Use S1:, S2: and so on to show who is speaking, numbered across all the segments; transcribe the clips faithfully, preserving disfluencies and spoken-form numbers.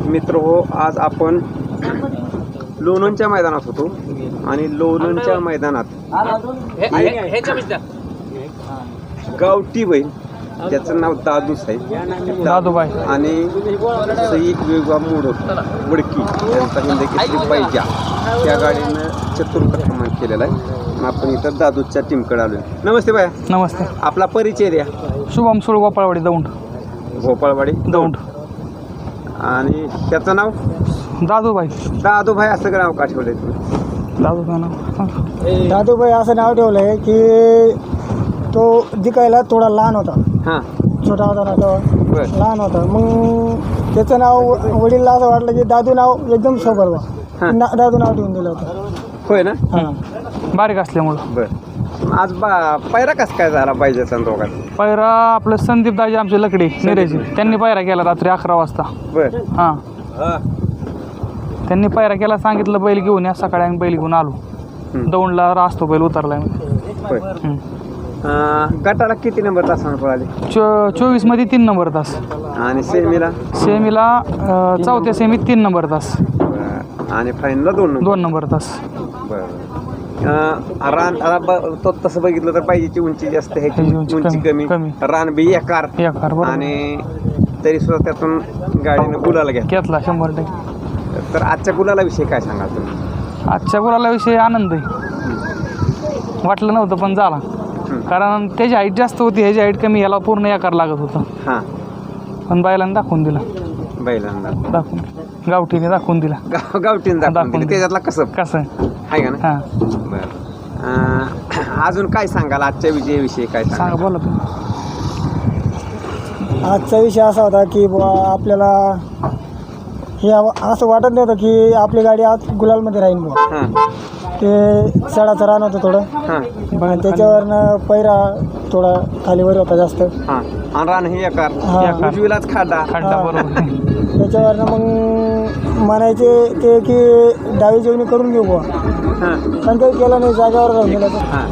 S1: मित्र हो, आज आपण लोणंदच्या मैदानात होतो आणि लोणंदच्या मैदानात गावठी बैल ज्याचं नाव दादूस आहे,
S2: दादूबाई
S1: आणि सई वेगवा मोडक वडकी यांचा हिंद केसरी पाहिजा त्या गाडीनं चतुर्थ केलेला आहे. आपण इथं दादूच्या टीमकडे आलोय. नमस्ते बाया.
S2: नमस्ते.
S1: आपला परिचय द्या.
S2: शुभम सुळ गोपाळवाडी दौंड.
S1: गोपाळवाडी
S2: दौंड.
S1: आणि त्याचं नाव
S2: दादूबाई.
S1: दादूभाई असं नाव का ठेवलंय तुम्ही?
S2: दादूबाई नाव
S3: दादूबाई असं नाव ठेवलं आहे की तो दिकायला थोडा लहान होता.
S1: हां
S3: छोटा होता ना तो,
S1: बरं.
S3: लहान होता. मग त्याचं नाव वडीलला असं वाटलं की दादू नाव एकदम सोबर
S1: हां.
S3: बा ना दादू नाव ठेवून दिलं होतं.
S1: होय ना.
S3: हां.
S2: बारीक असल्यामुळं.
S1: बरं. आज बा पायरा कसं काय झाला पाहिजे दोघांना?
S2: पायरा आपलं संदीप दाजी आमचे लकडी निरेजी त्यांनी पायरा केला रात्री अकरा वाजता.
S1: बरं.
S2: हां त्यांनी पायरा केला, सांगितलं बैल घेऊन या. सकाळी आम्ही बैल घेऊन आलो.
S1: हं.
S2: दौंडला राहतो बैल उतरलाय.
S1: होय. अं, गटाला किती नंबर तासानं पळाले?
S2: चो चोवीस मध्ये तीन नंबर तास.
S1: आणि सेमीला?
S2: सेमीला अं, चौथ्या सेमीत तीन नंबर तास.
S1: बरं. आणि फायनलला दोन नंबर?
S2: दोन नंबर तास.
S1: बरं. अं, रान आता ब- तो तसं बघितलं तर पाहिजेची उंची जास्त आहे,
S2: ह्याची उंची
S1: उंची
S2: कमी-
S1: कमी,
S2: कमी.
S1: रान बी एकार,
S2: एकार, बरोबर.
S1: आणि तरी सुद्धा त्यातून गाडीनं गुलाला घ्या.
S2: घेतला शंभर टक्के.
S1: तर आजच्या गुलाला विषयी काय सांगाल तुम्ही?
S2: आजच्या गुलाला विषयी आनंद आहे. वाटलं नव्हतं पण झाला.
S1: हं.
S2: कारण त्याची हाईट जास्त होती, ह्याची हाईट कमी, याला पूर्ण एकार लागत होतं.
S1: हां
S2: पण बैलांनी दाखवून दिला.
S1: बैलांना
S2: दाखवून गावठीने दाखवून दिला.
S1: गाव गावठीनं दाखवून
S2: दाखवून
S1: दिली.
S2: दिली.
S1: त्याच्यातला कसं
S2: कसं
S1: आहे का ना?
S2: हां
S1: बरं. अं, अजून काय सांगाल आजच्या विजयाविषयी? काय
S2: सांगा,
S1: सांगा.
S2: बोला तुम्ही.
S3: आजचा विषय असा होता की बुवा आपल्याला हे आव- असं वाटत नव्हतं की आपली गाडी आज गुलालमध्ये राहील बुवा.
S1: हां
S3: ते सडाचं रान होतं थोडं,
S1: हां
S3: आणि त्याच्यावरनं पैरा थोडा खालीवर होता जास्त.
S1: हां. आणि रान हे एकार,
S3: हां.
S2: एकार.
S1: उजवीलाच खाडा.
S2: खड्डा,
S3: हां.
S2: बरोबर.
S3: त्याच्यावरनं मग म्हणायचे ते की डावी जेवणी करून घेऊ बुवा,
S1: हां
S3: पण काही केलं नाही, जागेवर राहून गेलं. तर
S1: हां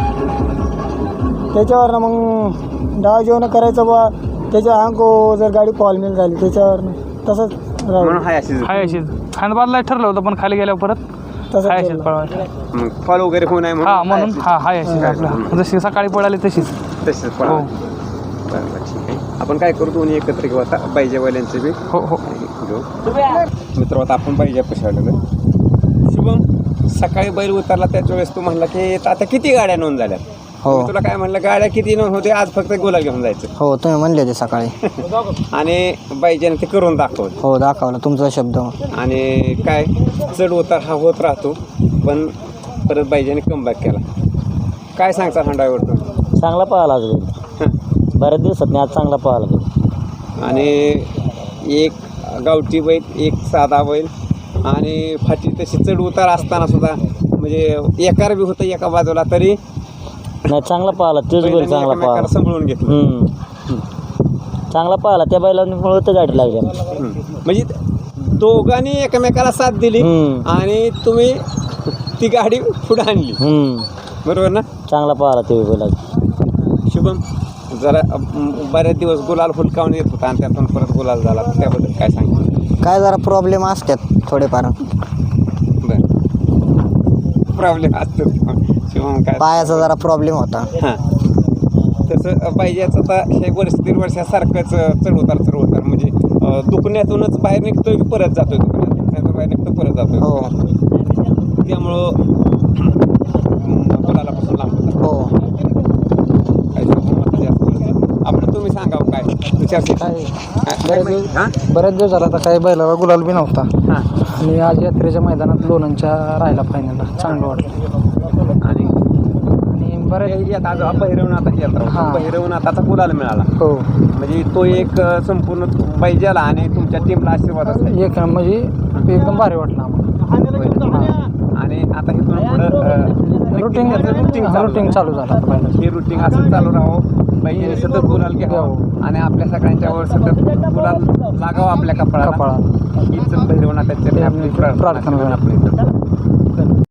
S3: त्याच्यावरनं मग डावा जेवण करायचं बुवा, त्याच्या अंको जर गाडी पॉलमेल झाली त्याच्यावरनं तसंच
S1: म्हणून
S3: राहू
S1: हाय अशी
S2: हाय अशीच खांद बाजला ठरलं होतं, पण खाली गेल्यावर परत
S3: तसंच
S2: हाय अशीच
S3: केलं.
S2: पळवायचं.
S1: मग फॉल वगैरे होऊ नये
S2: हा म्हणून
S1: हाय
S2: हा हाय अशीच
S1: हाय
S2: आपलं जशी सकाळी पळाली तशीच.
S1: अशीच. तसेच
S2: हो
S1: पळा. बरं बरं ठीक आहे. आपण काय करू, दोन्ही एकत्र घेऊ आता बाईजावाल्यांचे बी
S2: हो हो
S1: घेऊ. मित्र आता आपण बाईजा पशावलं. शुभम, सकाळी बैल उतरला त्याच्या वेळेस तू म्हणला की आता किती गाड्या नोंद झाल्या?
S4: हो.
S1: मी तुला काय म्हणलं, गाड्या किती नोंद होते, आज फक्त गुलाल घेऊन जायचं.
S4: हो, तुम्ही म्हणले होते सकाळी.
S1: आणि बाईजाने ते करून दाखवलं.
S4: हो, दाखवलं तुमचा शब्द.
S1: आणि काय चढ उतार हा होत राहतो, पण परत बाईजाने कमबॅक केला. काय सांगता हा ड्रायव्हर तुम्ही?
S5: चांगला पळाला आज बैल. बऱ्याच दिवसात नाही आज चांगला पळाला बैल.
S1: आणि एक गावठी बैल, एक साधा बैल, आणि फाटी तशी चढ उतार असताना सुद्धा म्हणजे एकार बी होतं एका बाजूला, तरी
S5: नाही चांगला पळाला तोच बैल चांगला
S1: एकमेकाला
S5: पळाला.
S1: सांभाळून घेतलं.
S5: हम्म. चांगला पळाला त्या बैलांमुळे तर गाडी लागली आमची.
S1: हम्म. म्हणजे दोघांनी एकमेकाला साथ दिली
S5: हम्म.
S1: आणि तुम्ही ती गाडी पुढे आणली,
S5: हम्म.
S1: बरोबर ना?
S5: चांगला पळाला ते बैल आज.
S1: शुभम, जरा अं, बरेच दिवस गुलाल हुलकावून येत होता आणि त्यातून परत गुलाल झाला, त्याबद्दल काय सांगितलं?
S4: काय जरा प्रॉब्लेम असतात थोडेफार.
S1: बरं, प्रॉब्लेम असतो शुभम. काय
S4: पायाचा जरा प्रॉब्लेम होता.
S1: हां, तसं पाहिजेच. आता हे वर्ष दीड वर्षासारखंच चढ उतार चढ उतार म्हणजे अं, दुखण्यातूनच बाहेर निघतोय की परत जातोय, दुखण्यातून बाहेर निघतो परत जातोय.
S4: हो.
S1: त्यामुळं गुलालापासून लांब होता.
S4: हो.
S1: काय सांगू जास्त बोलतो. आपलं तुम्ही सांगावं काय विचार.
S2: काय
S1: बरेच दिवस हां
S2: बऱ्याच दिवस झाला आता काही बैलाला गुलाल बी नव्हता.
S1: हां.
S2: आणि आज यात्रेच्या मैदानात लोणंदच्या राहिला फायनलला, चांगलं वाटलं.
S1: आणि
S2: आणि बऱ्याच
S1: यात आज बहिरवनाथाची यात्रा होती.
S2: हां.
S1: बहिरवनाथाचा गुलाल मिळाला,
S2: हो
S1: म्हणजे तो एक अं, संपूर्ण पाहिजेला आणि तुमच्या टीमला आशीर्वाद असेल.
S2: एक म्हणजे एकदम भारी वाटलं आम्हाला.
S1: आणि आता इथून पुढं
S2: रुटीन
S1: रुटीन
S2: रुटीन चालू झालं आता बैलाचं.
S1: हे रुटीन असं चालू राहावं, पाहिजे सतत गुलाल घ्यावं आणि आपल्या सगळ्यांच्यावर सतत गुलाल लागावं आपल्या कपाळाला.
S2: कपाळाला.
S1: हीच भैरवनाथाची आपली प्रार्थना
S2: प्रार्थना.
S1: आपली